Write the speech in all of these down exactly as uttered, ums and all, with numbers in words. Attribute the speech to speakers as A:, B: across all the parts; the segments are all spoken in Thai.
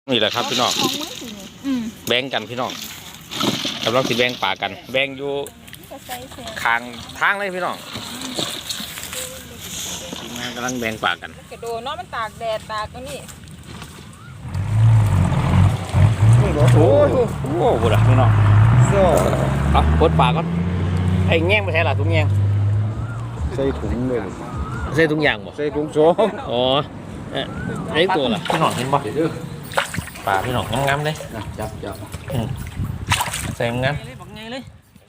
A: นี่แหละครับพี่น้องแบ่งกันพี่น้องกำลังสิแบ่งป่ากันแบ่งอยู่ทางทางเลยพี่น้องทีมงานกำลังแบ่งป่ากัน
B: กระโดดเนาะมันตากแดดตากตรงนี้
A: โอ้โหโอ้โหบุญพี่น้องเอาปลดป่าก่อนไอ้แง่งไม่ใช่หรอถุงแง่ง
C: ใส่ถุงเลย
A: ใส่ถุงยางบ่
C: ใส่ถุงโจม
A: อ๋อไอ้ตัวล่ะพี่น้องเห็นบ่ป่าพี่น้องงามๆเลย
C: จับจับ
A: ใส่งามบักไงเลย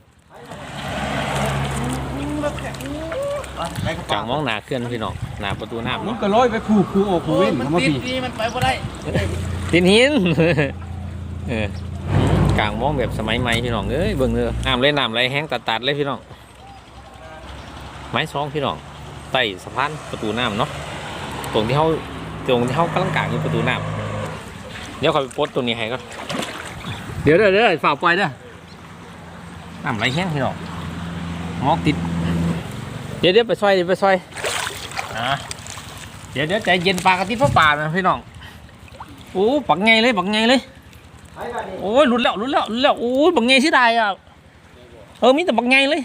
A: กลางมองหนาเคลื่อนพี่น้องหนาประตูน้ำ
C: มันก็ลอยไปผูกผูกออกผูกเว้น
A: มันติดดีมันไปบ่ได้ติดหินเออกลางมองแบบสมัยใหม่พี่น้องเอ้ยเบิ่งเด้อน้ำเลยน้ำไหลแห้งตัดๆเลยพี่น้องไม้ซองพี่น้องใต้สะพานประตูน้ำเนาะตรงที่เขาตรงที่เขากำลังกางอยู่ประตูน้ำเดี๋ยวเขาไปโพสตรงนี้ให้ก็เดี๋ยวเดี๋ยวเดี๋ยวฝ่าปล่อยเด้อน้ำไหลแห้งพี่น้องมองติดเดี๋ยวเดี๋ยวไปซอยเดี๋ยวไปซอยอ่ะเดี๋ยวเดี๋ยวใจเย็นปลากระติบเพราะป่านะพี่น้องโอ้ปักไงเลยปักไงเลยโอ้ยหลุดแล้วหลุดแล้วหลุดแล้วโอ้ยปักไงเสียดายอ่ะเออมีแต่ปักไงเลย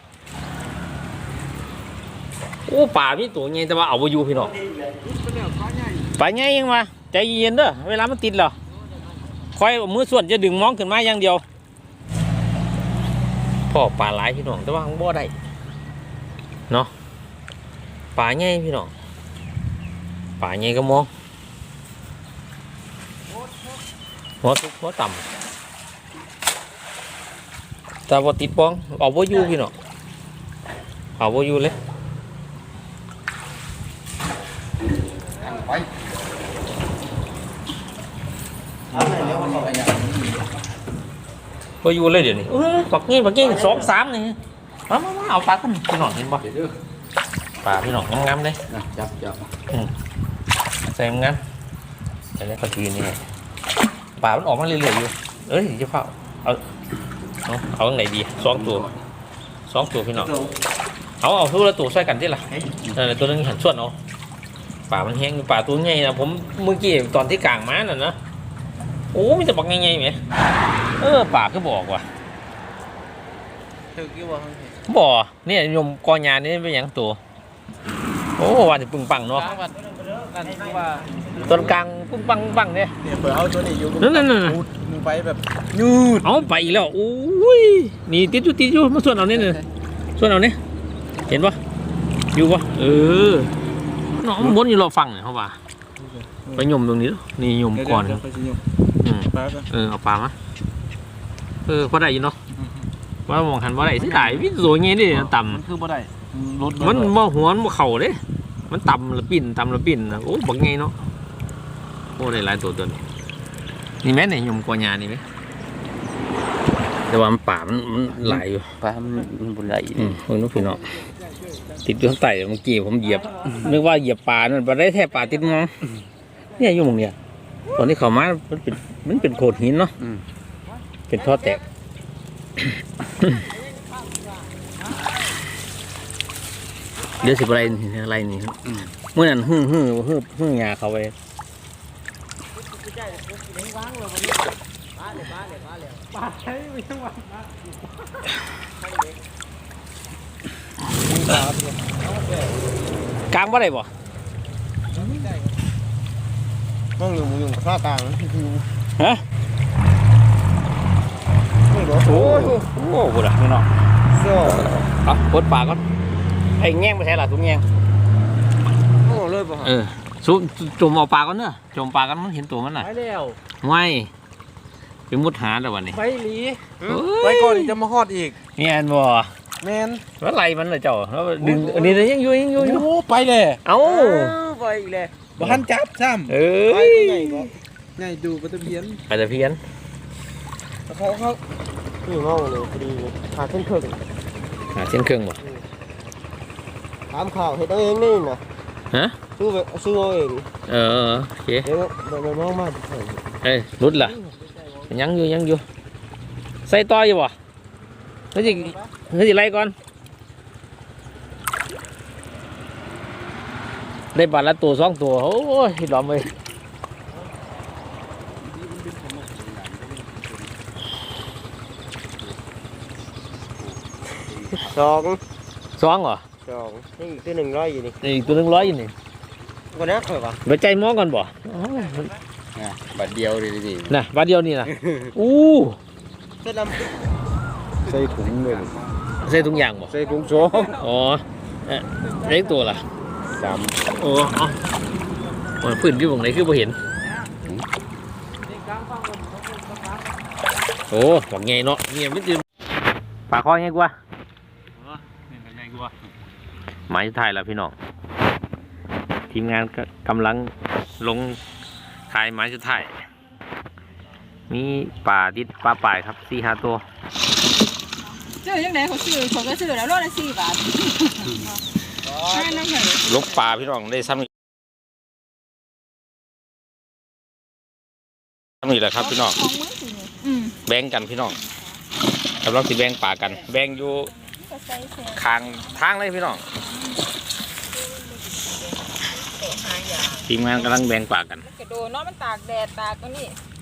A: โอ้ป่ามีตัวไงแต่ว่าเอาไปอยู่พี่น้องป่าไงยังมาใจเย็นเด้อเวลามันติดเหรอคอยมือส่วนจะดึงมองขึ้นมาอย่างเดียวพ่อป่าหลายพี่น้องแต่ว่าของบ่ได้เนาะป่าไงพี่น้องป่าไงก็มองหัวทุกหัวต่ำแต่ว่าติดป้องเอาบ่อยู่พี่น้องเอาบ่อยู่เลยบ่อยู่เลยเดี๋ยวนี้ปักเงี้ยปักเงี้ยสองสามนี่มามาเอาปลาขึ้นพี่น้องเห็นบ่ปลาพี่น้องงามๆเลย
C: จับจับ
A: ใส่งามแต่ในปลาทีนี่ปลามันออกมาเรื่อยๆอยู่เอ้ยจะเฝ้าเอาเอาเอาไหนดีสองตัวสองตัวพี่น้องเอาเอาทุกละตัวใส่กันที่ละแต่ตัวนึงหันส่วนเอาปลามันแห้งปลาตัวใหญ่นะผมเมื่อกี้ตอนที่กลางม้าน่ะนะโอ้มีแต่บักใหญ่ๆไหมเออปลาก็บอกว่ะบ่อเนี่ยยมกอยานี่เป็นอย่างตัวโอ้วันจะปึงปังเนาะต้นกลางปึงปังปังเนี่ย
C: เปิดเอาตัวนี้อยู่
A: นั่นนั่น
C: มึงไปแบบยืด
A: เอาไปอีกแล้วโอ้ยนี่ติดอยู่ติดอยู่มาส่วนเอาเนี่ยส่วนเอาเนี่ยเห็นปะอยู่ปะเออน้องบนอยู่รอฟังเนี่ยเขาว่าไปยมตรงนี้นี่ยมก่อนอืมเออเอาปลามาเออพอได้ยินเนาะว่ามองหันว่าได้สิได้วิโสเงี้ยดิต่ำ
C: มันคือบ่ได้
A: มันบ่หัวมันเข่าเด้มันต่ำละปิ่นต่ำละปิ่นนะโอ้บังไงเนาะโอ้ได้หลายตัวตัวนี่แม่เนี่ยยมกอยานี่ไหมแต่ว่ามันป่ามันมันไหลอยู่
C: ป่ามันมันบุไหล
A: อืมเพิ่งนึกพี่เนาะติดอยู่ข้างใต้เมื่อกี้ผมเหยียบนึกว่าเหยียบป่านั่นไปได้แทบป่าติดมองเนี่ยอยู่ตรงเนี้ยตอนที่เขามามันเป็นมันเป็นโขดหินเนาะเป็นท่อแตกเดี๋ยวสิบอะไรอะไรนี่เมื่อนั้นฮึ่งฮึ่งฮึ่งฮึ่งยาเขาไปกลางว่าไรบ่
C: มองอยู่มองอยู่ข้ากลางคือ
A: ฮะโอ้โหโอ้โหบุญพี่น้องเอาปลดปลาก่อนไอ้แง่งไม่ใช่หรอทุกแง่ง
C: โอ้เลยป่ะ
A: เออซุ่มจุ่มเอาปลาก่อนเนอะจุ่มปลากันมันเห็นตัวมันน่ะ
C: ไปแล้ว
A: ไม่ไปมุดหาแต่วันนี้
C: ไปหลีไปก่อนจะมาฮอดอีก
A: แมนบ่
C: แมน
A: แล้วไล่มันเลยเจ้าแล้วดึงอันนี้เลยยังอยู่ยังอยู่อยู่
C: ไปเลย
A: เอ้า
C: ไปอีกเลยบ้านจับซ้ำ
A: เอ้ย
C: ไงดูปลาตะเพียน
A: ปลาตะเพียน
C: เขาเขาอยู่นอกเลยพอดีหาเส้นเครื่อง
A: หาเส้นเครื่องบ่
C: ถามข่าวเห็นตัวเองนี่นะ
A: ฮะ
C: ซื้อไปซื้อเอาเอง
A: เออโอเค
C: เดี๋ยวเดี๋ยวน้องมา
A: เอ้ยรุดล่ะยังอยู่ยังอยู่ใส่ต่ออยู่บ่เฮ้ยเฮ้ยไล่ก่อนได้บาทละตัวสองตัวโอ้ยหลอมเลย
C: สอง
A: สองเหรอ
C: สองนี่อีกตัวหนึ่งร้อยอยู่นี่
A: นี่อีกตัวหนึงร้อยอยู่นี่
C: คนนี้เคยปะ
A: ไปใจหมอก่อนบ่อ๋อ
D: บัดเดียวดิดิ
A: น่ะบาทเดียวนี่นะอู้
C: เส้นล
D: ใส่ถุงเลย
A: ใส่ทุกอย่างบ่
D: ใส่ถุงสอง
A: อ๋อเอ๊ะเล็กตัวล่ะ
D: สาม
A: โอ้เอ๋อมันพื้นที่ตรงไหนคือบ่เห็นโอ้บอกไงเนาะเงียบไม่ตื่นปากคอไงกว่าหมายสุดท้ายแล้วพี่น้องทีมงานก็กำลังลงขายหมายสุดท้ายมีป่าดิดป่าป่ายครับสี่ห้าตัว
B: ซื้อยังไงเขาซื้อเขาก็ซื้อแล้วรถละสี่บาทให้นั่งเหรอ
A: ลกป่าพี่น้องได้ซ้ำอีกซ้ำอีกแล้วครับพี่น้อง
B: ของมือสิเนี่ยอืม
A: แบ่งกันพี่น้องกำลังสิแบ่งป่ากัน แบ่งอยู่
B: ก็ใส่แซ่
A: ข้างทางเลยพี่น้องทีมงานกำลังแบ่งป่ากัน
B: กระโดดเนาะมันตากแดดตากตรงนี้